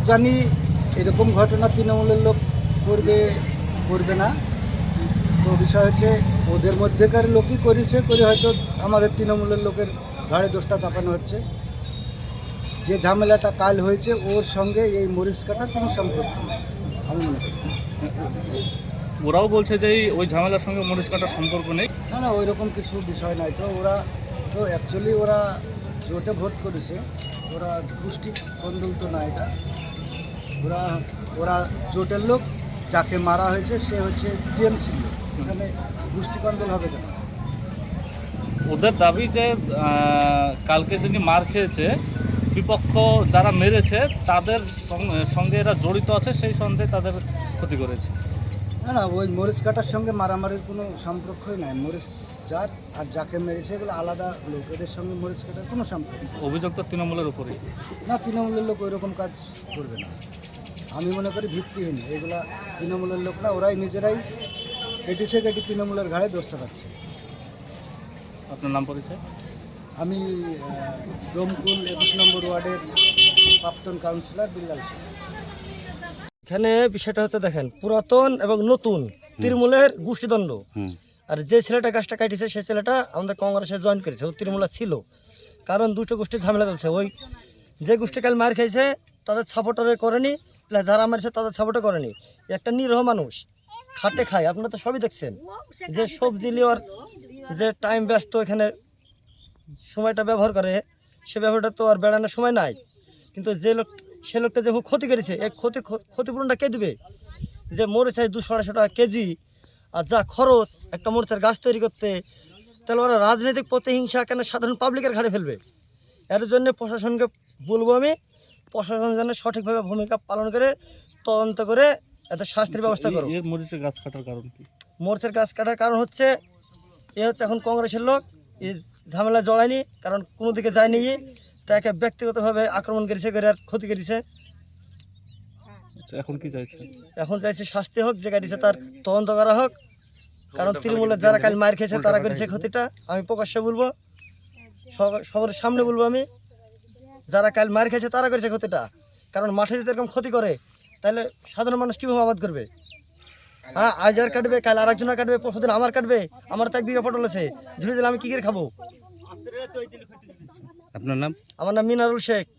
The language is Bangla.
জানি এরকম ঘটনা তৃণমূলের লোক করবে না। তো বিষয় হচ্ছে ওদের মধ্যেকার লোকই করে হয়তো আমাদের তৃণমূলের লোকের ঘাড়ে দোষটা চাপানো হচ্ছে। যে ঝামেলাটা কাল হয়েছে ওর সঙ্গে এই মরিচ কাটার কোনো সম্পর্ক নেই আমি মনে করি। ওরাও বলছে যে ওই ঝামেলার সঙ্গে মরিচ কাটার সম্পর্ক নেই। না ওই রকম কিছু বিষয় নাই। তো ওরা তো অ্যাকচুয়ালি ওরা জোটে ভোট করেছে, ওরা গোষ্ঠী কন্দল তো না এটা। ওরা ওরা জোটের লোক, যাকে মারা হয়েছে সে হচ্ছে টিএমসি লোক, এখানে গোষ্ঠী কন্দল হবে কেন? ওদের দাবি যে কালকে যিনি মার খেয়েছে বিপক্ষ যারা মেরেছে তাদের সঙ্গে এরা জড়িত আছে, সেই সন্দেহে তাদের ক্ষতি করেছে। না ওই মরিচ কাটার সঙ্গে মারামারির কোনো সম্পর্কই নাই। মরিচ যার আর যাকে মেরেছে এগুলো আলাদা লোক, এদের সঙ্গে মরিচ কাটার কোনো সম্পর্ক নেই। অভিযোগ তো তৃণমূলের উপরেই। না তৃণমূলের লোক ওই রকম কাজ করবে না, আমি মনে করি ভিত্তিহীন। এগুলা তৃণমূলের লোক না, ওরাই নিজেরাই কেটে তৃণমূলের ঘাড়ে দোষ চাপাচ্ছে। আপনার নাম পরিচয়? আমি ডোমকুল 21 নম্বর ওয়ার্ডের প্রাক্তন কাউন্সিলর বিল্লাল সিং। এখানে বিষয়টা হচ্ছে দেখেন, পুরাতন এবং নতুন তৃণমূলের গোষ্ঠীদ্বন্দ্ব। আর যে ছেলেটা গাছটা কাটিছে সেই ছেলেটা আমাদের কংগ্রেসে জয়েন করেছে, ও তৃণমূলা ছিল। কারণ দুটো গোষ্ঠীর ঝামেলা চলছে। ওই যে গোষ্ঠী কাল মার খাইছে তাদের সাপোর্টারে করেনি, প্লাস যারা মারছে তাদের সাপোর্টে করেনি। একটা নিরহ মানুষ খাটে খায়, আপনারা তো সবই দেখছেন। যে সবজি নেওয়ার যে টাইম ব্যস্ত এখানে সময়টা ব্যবহার করে, সে ব্যবহারটা তো আর বেড়ানোর সময় নাই। কিন্তু যে লোক সে লোকটা যে ক্ষতি করেছে, এই ক্ষতিপূরণটা কে দেবে? যে মরিচ 200-250 টাকা কেজি, আর যা খরচ একটা মরিচের গাছ তৈরি করতে, তাহলে ওরা রাজনৈতিক প্রতিহিংসা কেন সাধারণ পাবলিকের ঘাড়ে ফেলবে? এর জন্য প্রশাসনকে বলবো আমি, প্রশাসন যেন সঠিকভাবে ভূমিকা পালন করে তদন্ত করে এত শাস্তির ব্যবস্থা করো। মরিচের গাছ কাটার কারণ কি? মরিচের গাছ কাটার কারণ হচ্ছে এখন কংগ্রেসের লোক এই ঝামেলা জড়ায়নি, কারণ কোনো দিকে যায়নি, তাকে ব্যক্তিগতভাবে আক্রমণ করেছে, করে আর ক্ষতি করেছে। এখন কি চাইছে? এখন চাইছে শাস্তি হোক, যে কাটিছে তার তদন্ত করা হোক। কারণ তৃণমূলের যারা কাল মার খেয়েছে তারা করেছে ক্ষতিটা, আমি প্রকাশ্যে বলবো, সবার সামনে বলবো আমি, যারা কাল মার খেয়েছে তারা করেছে ক্ষতিটা। কারণ মাঠে যদি এরকম ক্ষতি করে তাহলে সাধারণ মানুষ কীভাবে আবাদ করবে? হ্যাঁ, আজ আর কাটবে, কাল আর একজনের কাটবে, পরশুদিন আমার কাটবে। আমার তো 1 বিঘা পটল আছে, ঝুড়ি দিলে আমি কী করে খাবো? আপনার নাম? আমার নাম মিনারুল শেখ।